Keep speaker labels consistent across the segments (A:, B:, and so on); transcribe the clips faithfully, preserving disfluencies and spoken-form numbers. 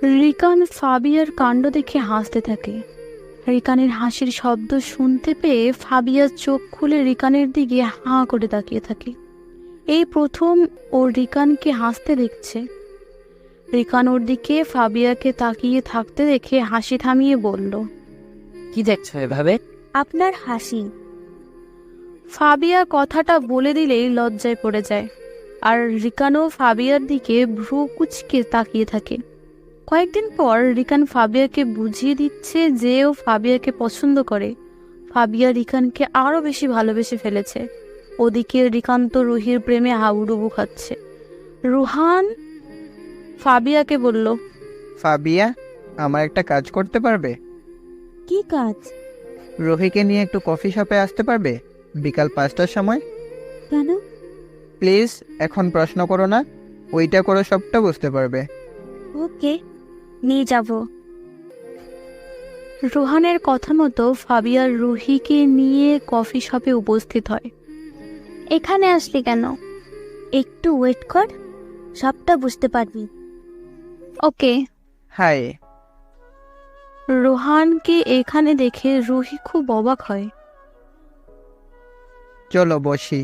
A: Rican ফাবিয়ার কাণ্ড দেখে হাসতে থাকে। রিকানের হাসির শব্দ শুনতে পেয়ে ফাবিয়া চোখ খুলে রিকানের দিকে হাঁ করে তাকিয়ে থাকে। এই প্রথম ও রিকানকে হাসতে দেখছে। রিকান ওর দিকে ফাবিয়াকে তাকিয়ে থাকতে দেখে হাসি থামিয়ে বলল,
B: কি দেখছো এভাবে?
C: আপনার হাসি।
A: ফাবিয়া কথাটা বলে দিলেই লজ্জায় পড়ে যায়, আর রিকানও ফাবিয়ার দিকে ভ্রু কুচকে তাকিয়ে থাকে। কয়েকদিন পর রিকান ফাবিয়াকে বুঝিয়ে দিচ্ছে যে ও ফাবিয়াকে পছন্দ করে। ফাবিয়া রিকানকে আরো বেশি ভালোবেসে ফেলেছে। ওদিকে রিকান তো রুহির প্রেমে হাবুডুবু খাচ্ছে। রুহান ফাবিয়াকে বলল,
D: ফাবিয়া, আমার একটা কাজ করতে পারবে?
C: কি কাজ?
D: রুহিকে নিয়ে একটু কফি শপে আসতে পারবে বিকাল পাঁচটার সময়?
C: কেন?
D: প্লিজ, এখন প্রশ্ন করো না, ওইটা করো, সবটা বুঝতে পারবে।
C: ওকে, নিয়ে যাব।
A: রুহানের কথা মতো ফাবিয়া রুহিকে নিয়ে কফি শপে উপস্থিত হয়।
C: এখানে আসলি কেন? একটু ওয়েট কর, সবটা বুঝতে পারবি।
A: ওকে।
D: হাই।
A: রুহানকে এখানে দেখে রুহি খুব অবাক হয়।
D: চলো বসি।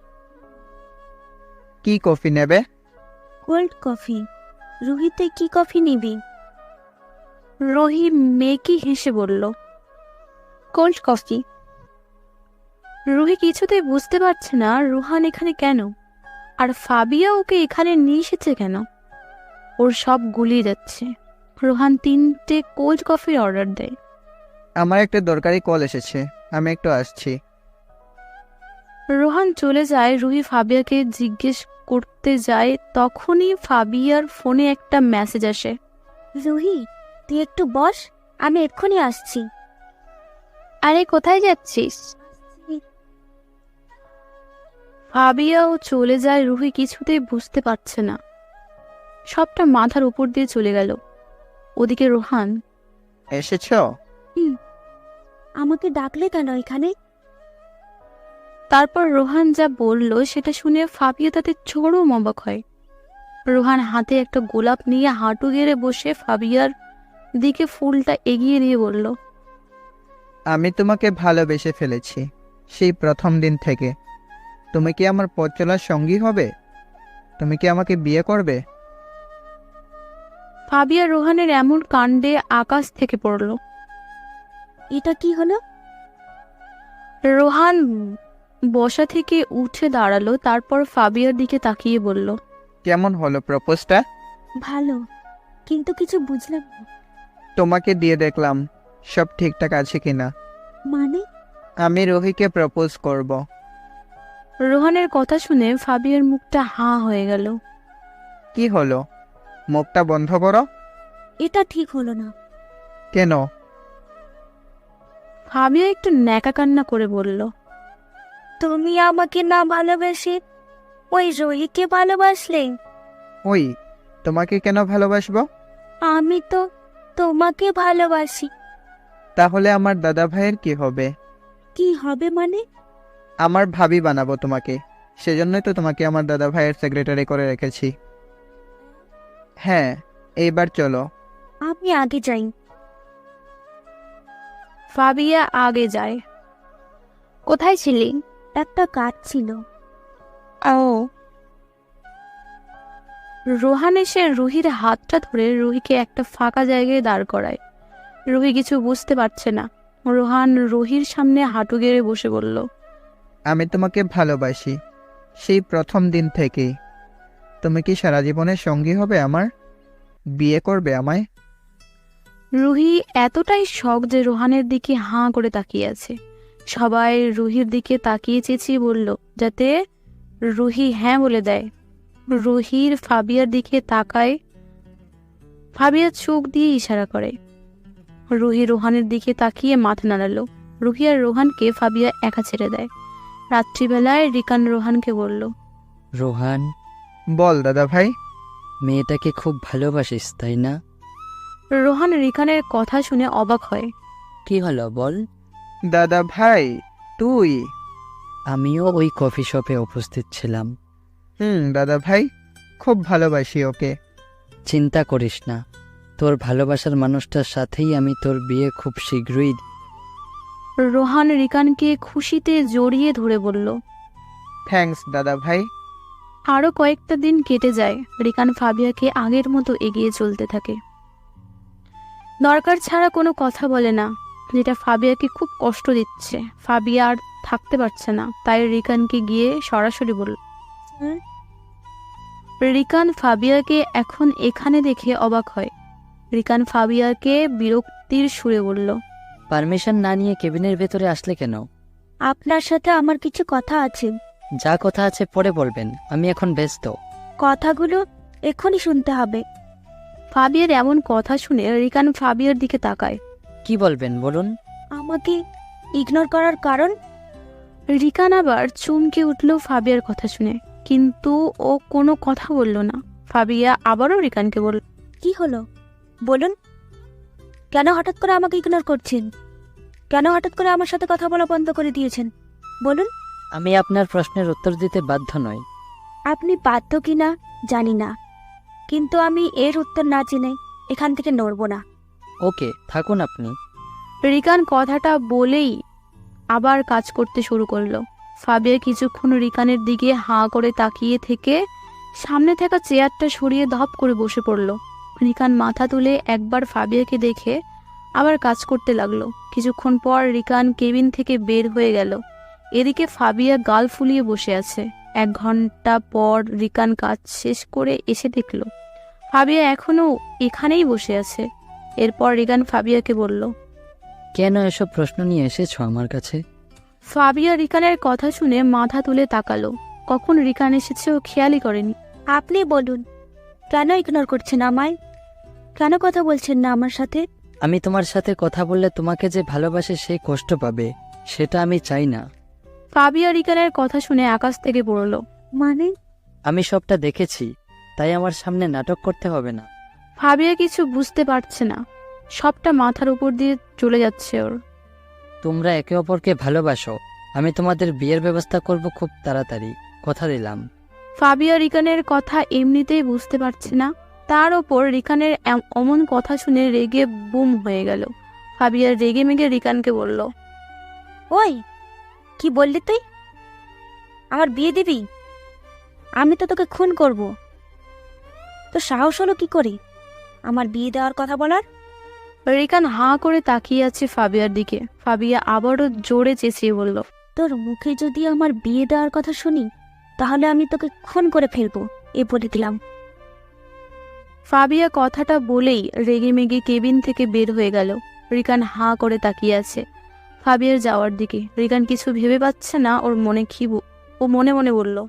D: কি কফি নেবে?
C: Cold coffee. রুহিতে কি কফি নিবি?
A: রুহি মেকি হেসে বলল, কোল্ড কফি। রুহি কিছুতেই বুঝতে পারছে না রুহান এখানে কেন, আর ফাবিয়া ওকে এখানে নিয়ে এসেছে কেন। ওর সব গুলিয়ে যাচ্ছে। রুহান তিনটে কোল্ড কফির অর্ডার দেয়।
D: আমার একটা দরকারি কল এসেছে, আমি একটু আসছি।
A: রোহান চলে যায়। রুহি ফাবিয়াকে জিজ্ঞেস করতে যায়, তখনই ফাবিয়ার ফোনে একটা মেসেজ আসে।
C: রুহি, তুই একটু বস, আমি এক্ষুনি আসছি।
A: আরে কোথায় যাচ্ছিস? ফাবিয়াও চলে যায়। রুহি কিছুতেই বুঝতে পারছে না, সবটা মাথার উপর দিয়ে চলে গেল। ওদিকে রোহান,
D: এসেছো?
C: আমাকে ডাকলে কেন এখানে?
A: তারপর রোহান যা বলল সেটা শুনে ফাবিয়া তাতে চরম অবাক হয়। রোহান হাতে একটা গোলাপ নিয়ে হাঁটু গেড়ে বসে ফাবিয়ার দিকে ফুলটা এগিয়ে দিয়ে বলল,
D: আমি তোমাকে ভালোবেসে ফেলেছি সেই প্রথম দিন থেকে। তুমি কি আমার পথ চলার সঙ্গী হবে? তুমি কি আমাকে বিয়ে করবে?
A: ফাবিয়া রোহানের এমন কাণ্ডে আকাশ থেকে পড়ল।
C: এটা কি হলো?
A: রোহান বসা থেকে উঠে দাঁড়ালো, তারপর ফাবিয়ার দিকে তাকিয়ে বলল,
D: কেমন হলো প্রপোজটা?
C: ভালো, কিন্তু কিছু বুঝলাম না।
D: তোমাকে দিয়ে দেখলাম সব ঠিকঠাক আছে কিনা।
C: মানে?
D: আমি রুহিকে প্রপোজ করব।
A: রোহানের কথা শুনে ফাবিয়ার মুখটা হাঁ হয়ে গেল।
D: কি হলো? মুখটা বন্ধ করো।
C: এটা ঠিক হলো না।
D: কেন?
A: ফাবিয়া একটু ন্যাকা কান্না করে বলল,
C: তুমি আমাকে না ভালোবেসে ওই রুহিকে ভালোবাসলে।
D: ওই, তোমাকে কেন ভালোবাসবো?
C: আমি তো তোমাকে ভালোবাসি।
D: তাহলে আমার দাদা ভাইয়ের কি হবে?
C: কি হবে মানে?
D: আমার ভাবি বানাবো তোমাকে, সেজন্যই তো তোমাকে আমার দাদা ভাইয়ের সেক্রেটারি করে রেখেছি। হ্যাঁ, এইবার চলো।
C: আমি আগে যাই।
A: ফাবিয়া আগে যায়। কোথায় ছিলি?
C: একটা কাজ ছিল।
A: ও। রোহান এসে রুহির হাতটা ধরে রুহিকে একটা ফাঁকা জায়গায় দাঁড় করায়। রুহি কিছু বুঝতে পারছে না। রোহান রুহির সামনে হাঁটু গেড়ে বসে বলল,
D: আমি তোমাকে ভালোবাসি সেই প্রথম দিন থেকেই। তুমি কি সারা জীবনের সঙ্গী হবে আমার? বিয়ে করবে আমায়?
A: রুহি এতটাই শখ যে রোহানের দিকে হাঁ করে তাকিয়ে আছে। সবাই রুহির দিকে তাকিয়ে চেঁচিয়ে বলল, যাতে রুহি হ্যাঁ বলে দেয়। রুহির ফাবিয়ার দিকে তাকায়। ফাবিয়া চোখ দিয়ে ইশারা করে। রুহি রোহানের দিকে তাকিয়ে মাথা নাড়ালো। রুহি আর রোহানকে ফাবিয়া একা ছেড়ে দেয়। রাত্রিবেলায় রিকান রোহানকে বলল,
B: রোহান,
D: বল দাদা ভাই।
B: মেয়েটাকে খুব ভালোবাসিস তাই না?
A: রোহান রিকানের কথা শুনে অবাক হয়।
B: কি হলো বল?
D: দাদা ভাই তুই?
B: আমিও ওই কফি শপে উপস্থিত ছিলাম।
D: হুম দাদা ভাই, খুব ভালোবাসি ওকে।
B: চিন্তা করিস না, তোর ভালোবাসার মানুষটার সাথেই আমি তোর বিয়ে খুব শীঘ্রই।
A: রোহান রিকানকে খুশিতে জড়িয়ে ধরে বলল।
D: থ্যাঙ্কস দাদা ভাই।
A: আরও কয়েকটা দিন কেটে যায়। রিকান ফাবিয়াকে আগের মতো এগিয়ে চলতে থাকে। দরকার ছাড়া কোনো কথা বলে না, যেটা ফাবিয়াকে খুব কষ্ট দিচ্ছে। ফাবিয়া আর থাকতে পারছে না, তাই রিকানকে গিয়ে সরাসরি বলল।
C: হুম?
A: রিকান ফাবিয়াকে এখন এখানে দেখে অবাক হয়। রিকান ফাবিয়াকে বিরক্তির সুরে বলল।
B: পারমিশন না নিয়ে কেবিনের ভেতরে আসলে কেন?
C: আপনার সাথে আমার কিছু কথা আছে।
B: যা কথা আছে পরে বলবেন, আমি এখন ব্যস্ত।
C: কথাগুলো এখনই শুনতে হবে।
A: ফাবিয়ার এমন কথা শুনে রিকান ফাবিয়ার দিকে তাকায়।
B: কি বলবেন বলুন।
C: আমাকে ইগনোর করার কারণ?
A: রিকান আবার চমকে উঠল ফাবিয়ার কথা শুনে, কিন্তু ও কোনো কথা বলল না। ফাবিয়া আবারও রিকানকে বলল।
C: কি হলো বলুন, কেন হঠাৎ করে আমাকে ইগনোর করছেন? কেন হঠাৎ করে আমার সাথে কথা বলা বন্ধ করে দিয়েছেন বলুন?
B: আমি আপনার প্রশ্নের উত্তর দিতে বাধ্য নই।
C: আপনি বাধ্য কিনা জানি না, কিন্তু আমি এর উত্তর না জেনে এখান থেকে নড়ব না।
B: ওকে, থাকুন আপনি।
A: রিকান কথাটা বলেই আবার কাজ করতে শুরু করলো। ফাবিয়া কিছুক্ষণ রিকানের দিকে হাঁ করে তাকিয়ে থেকে সামনে থাকা চেয়ারটা সরিয়ে ধপ করে বসে পড়ল। রিকান মাথা তুলে একবার ফাবিয়াকে দেখে আবার কাজ করতে লাগলো। কিছুক্ষণ পর রিকান কেবিন থেকে বের হয়ে গেল। এদিকে ফাবিয়া গাল ফুলিয়ে বসে আছে। এক ঘন্টা পর রিকান কাজ শেষ করে এসে দেখল ফাবিয়া এখনো এখানেই বসে আছে। এরপর রিকান ফাবিয়াকে বলল।
B: কেন এসব প্রশ্ন নিয়ে এসেছো আমার কাছে?
A: ফাবিয়া রিকানের কথা শুনে মাথা তুলে তাকালো। কখন রিকান এসেছে ও খেয়ালই করেনি।
C: আপনি বলুন, কেন ইগনোর করছেন আমায়? কেন কথা বলছেন না আমার সাথে?
B: আমি তোমার সাথে কথা বললে তোমাকে যে ভালোবাসে সে কষ্ট পাবে, সেটা আমি চাই না।
A: ফাবিয়া রিকানের কথা শুনে আকাশ থেকে পড়ল।
C: মানে?
B: আমি সবটা দেখেছি, তাই আমার সামনে নাটক করতে হবে না।
A: ফাবিয়া কিছু বুঝতে পারছে না, সবটা মাথার উপর দিয়ে চলে যাচ্ছে ওর।
B: তোমরা একে অপরকে ভালোবাসো, আমি তোমাদের বিয়ের ব্যবস্থা করব খুব তাড়াতাড়ি, কথা দিলাম।
A: ফাবিয়া রিকানের কথা এমনিতেই বুঝতে পারছে না, তার ওপর রিকানের এম- অমন কথা শুনে রেগে বুম হয়ে গেল। ফাবিয়া রেগে মেগে রিকানকে বলল।
C: ওই, কি বললি তুই? আমার বিয়ে দিবি? আমি তো তোকে খুন করব। তো সাহস হলো কি করে আমার বিয়ে দেওয়ার কথা বলার?
A: রিকান হাঁ করে তাকিয়ে আছে ফাবিয়ার দিকে। ফাবিয়া আবারও জোরে চেঁচিয়ে বলল।
C: তোর মুখে যদি আমার বিয়ে দেওয়ার কথা শুনি, তাহলে আমি তোকে খুন করে ফেলবো, এ বলে দিলাম।
A: ফাবিয়া কথাটা বলেই রেগে মেগে কেবিন থেকে বের হয়ে গেল। রিকান হাঁ করে তাকিয়ে আছে ফাবিয়ার যাওয়ার দিকে। রিকান কিছু ভেবে পাচ্ছে না ওর মনে কি ব- ও মনে মনে বলল।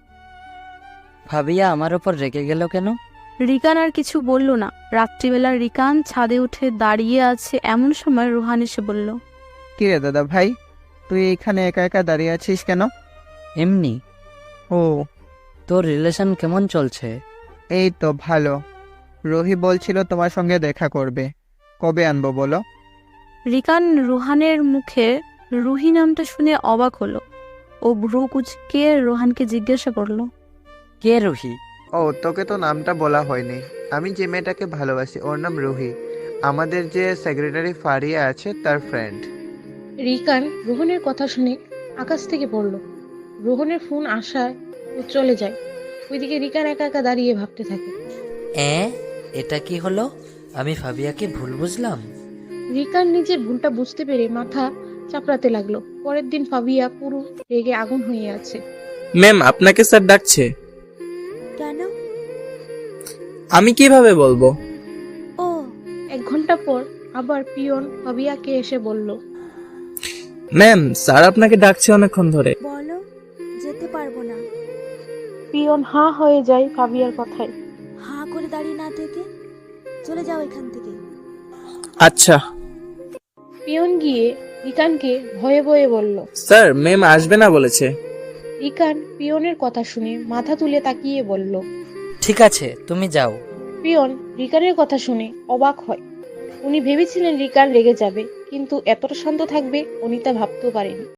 B: ভাবিয়া আমার ওপর রেগে গেল কেন?
A: রিকান আর কিছু বলল না। রাত্রিবেলা রিকান ছাদে উঠে দাঁড়িয়ে আছে, এমন সময় রোহান এসে বলল।
D: কি রে দাদা ভাই, তুই এখানে একা একা দাঁড়িয়ে আছিস কেন?
B: এমনি।
D: ও,
B: তোর রিলেশন কেমন চলছে?
D: এই তো ভালো। রোহি বলছিল তোমার সঙ্গে দেখা করবে, কবে আনবো বলো?
A: রিকান রোহানের মুখে রুহি নামটা শুনে অবাক হলো। ও ভ্রু কুচকে রোহানকে জিজ্ঞাসা করলো।
B: কে রুহি?
D: ও, তোকে তো নামটা বলা হয়নি। আমি যে মেয়েটাকে ভালোবাসি ওর নাম রুহি, আমাদের যে সেক্রেটারি ফারিয়া আছে তার ফ্রেন্ড।
E: রিকান রোহনের কথা শুনে আকাশ থেকে পড়ল। রোহনের ফোন আসায় ও চলে যায়। ওইদিকে রিকান একা একা দাঁড়িয়ে ভাবতে থাকে।
F: এ এটা কি হলো? আমি ফাবিয়াকে ভুল বুঝলাম?
E: রিকান নিজের ভুলটা বুঝতে পেরে মাথা চাপড়াতে লাগলো। পরের দিন ফাবিয়া পুরো রেগে আগুন হয়ে আছে।
G: ম্যাম, আপনাকে স্যার ডাকছে।
C: কেন?
G: আমি কিভাবে বলবো?
C: ও,
E: এক ঘন্টা পর আবার পিয়ন ফাবিয়াকে এসে বলল।
G: ম্যাম, স্যার আপনাকে ডাকছে অনেকক্ষণ ধরে।
C: বলো, যেতে পারবো না।
E: পিয়ন হাঁ হয়ে যায় ফাবিয়ার কথায়।
C: হাঁ করে দাঁড়িয়ে না থেকে চলে যাও এখান থেকে।
G: আচ্ছা
E: পিয়ন গিয়ে রিকানকে ভয়ে ভয়ে বলল।
G: স্যার, ম্যাম আসবে না বলেছে।
E: রিকান পিয়নের কথা শুনে মাথা তুলে তাকিয়ে বলল।
F: ঠিক আছে, তুমি যাও।
E: পিয়ন রিকানের কথা শুনে অবাক হয়। উনি ভেবেছিলেন রিকান রেগে যাবে, কিন্তু এতটা শান্ত থাকবে উনি তা ভাবতেও পারেনি।